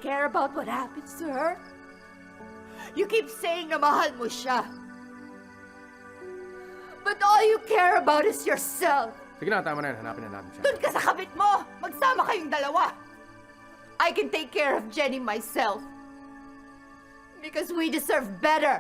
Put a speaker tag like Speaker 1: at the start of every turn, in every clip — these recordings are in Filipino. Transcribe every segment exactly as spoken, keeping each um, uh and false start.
Speaker 1: care about what happens to her? You keep saying na mahal mo siya. But all you care about is yourself.
Speaker 2: Sige na, tama na yan. Hanapin na natin siya.
Speaker 1: Doon ka sa kabit mo! Magsama kayong dalawa! I can take care of Jenny myself. Because we deserve better.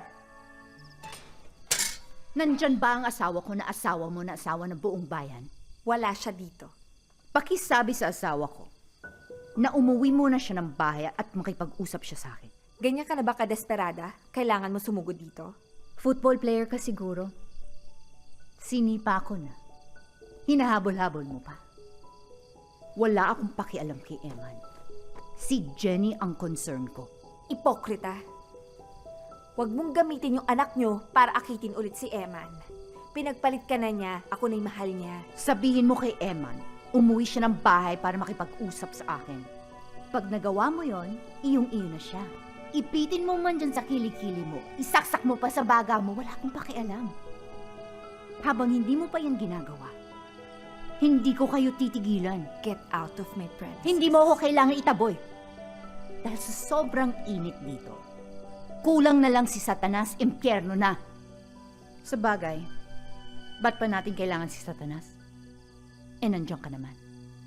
Speaker 3: Nandyan ba ang asawa ko na asawa mo na asawa ng buong bayan?
Speaker 4: Wala siya dito.
Speaker 3: Pakisabi sa asawa ko na umuwi muna siya ng bahay at makipag-usap siya sa akin.
Speaker 4: Ganyan ka na ba kadesperada? Kailangan mo sumugod dito?
Speaker 3: Football player ka siguro. Sinipa ko na. Hinahabol-habol mo pa. Wala akong pakialam kay Eman. Si Jenny ang concern ko.
Speaker 4: Ipokrita. Huwag mong gamitin yung anak nyo para akitin ulit si Eman. Pinagpalit ka na niya, ako na'y mahal niya.
Speaker 3: Sabihin mo kay Eman, umuwi siya ng bahay para makipag-usap sa akin. Pag nagawa mo yon, iyong-iyo na siya. Ipitin mo man dyan sa kilikili mo, isaksak mo pa sa baga mo, wala akong pakialam. Habang hindi mo pa yan ginagawa, hindi ko kayo titigilan.
Speaker 4: Get out of my presence.
Speaker 3: Hindi mo ako kailangan itaboy. Dahil sa sobrang init dito, kulang na lang si Satanas, impyerno na. Sa bagay, ba't pa natin kailangan si Satanas? Eh, nandiyan ka naman.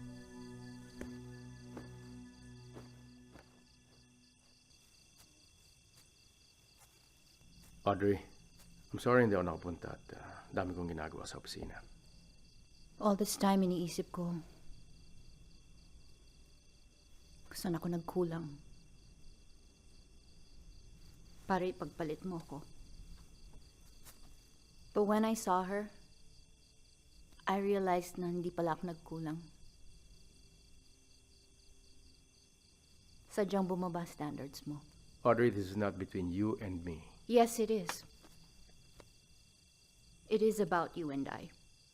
Speaker 2: Audrey, I'm sorry hindi ako nakapunta at uh, dami kong ginagawa sa opisina.
Speaker 3: All this time, iniisip ko, kung saan ako nagkulang para ipagpalit mo ko. But when I saw her, I realized na hindi pala ako nagkulang. Sadyang bumaba standards mo.
Speaker 2: Audrey, this is not between you and me.
Speaker 3: Yes, it is. It is about you and I.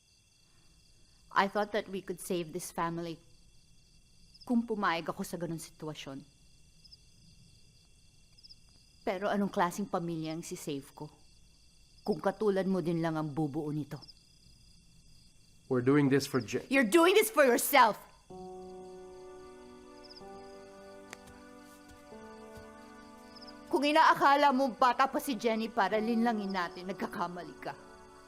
Speaker 3: I thought that we could save this family kung pumayag ako sa ganun sitwasyon. Pero anong klaseng pamilya ang si-save ko? Kung katulad mo din lang ang bubuo nito.
Speaker 2: We're doing this for Je-
Speaker 1: You're doing this for yourself.
Speaker 3: Kung inaakala mo bata pa si Jenny para linlangin natin, nagkakamali ka.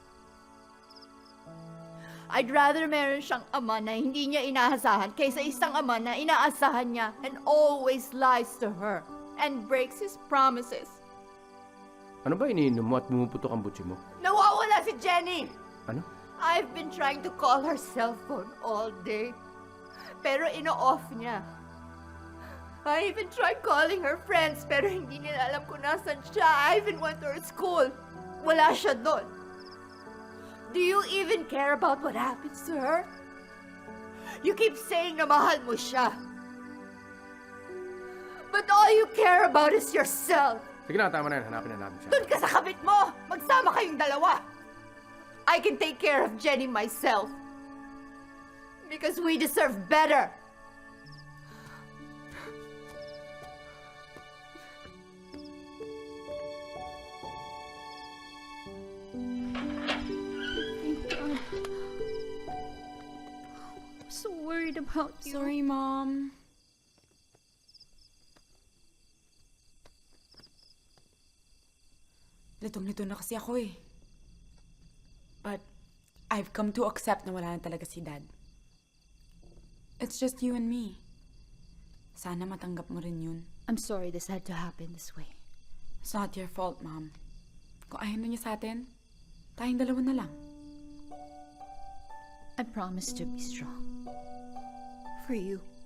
Speaker 1: I'd rather meron siyang ama na hindi niya inaasahan kaysa isang ama na inaasahan niya and always lies to her and breaks his promises.
Speaker 2: Ano ba iniinom mo at bumuputok ang butsi mo?
Speaker 1: Nawawala si Jenny!
Speaker 2: Ano?
Speaker 1: I've been trying to call her cell phone all day. Pero ino-off niya. I even tried calling her friends pero hindi nila alam kung nasan siya. I even went to her school. Wala siya doon. Do you even care about what happens to her? You keep saying na mahal mo siya. But all you care about is yourself.
Speaker 2: Sige na, tama na yan. Hanapin na natin siya.
Speaker 1: Doon ka sa kabit mo! Magsama kayong dalawa! I can take care of Jenny myself. Because we deserve better.
Speaker 3: I'm so worried about you.
Speaker 5: Sorry, Mom. Litong-lito na kasi ako eh. But I've come to accept na wala na talaga si Dad. It's just you and me. Sana matanggap mo rin yun.
Speaker 3: I'm sorry this had to happen this way.
Speaker 5: It's not your fault, Mom. Kung ayaw na niya sa atin, tayong dalawa na lang.
Speaker 3: I promise to be strong. For you.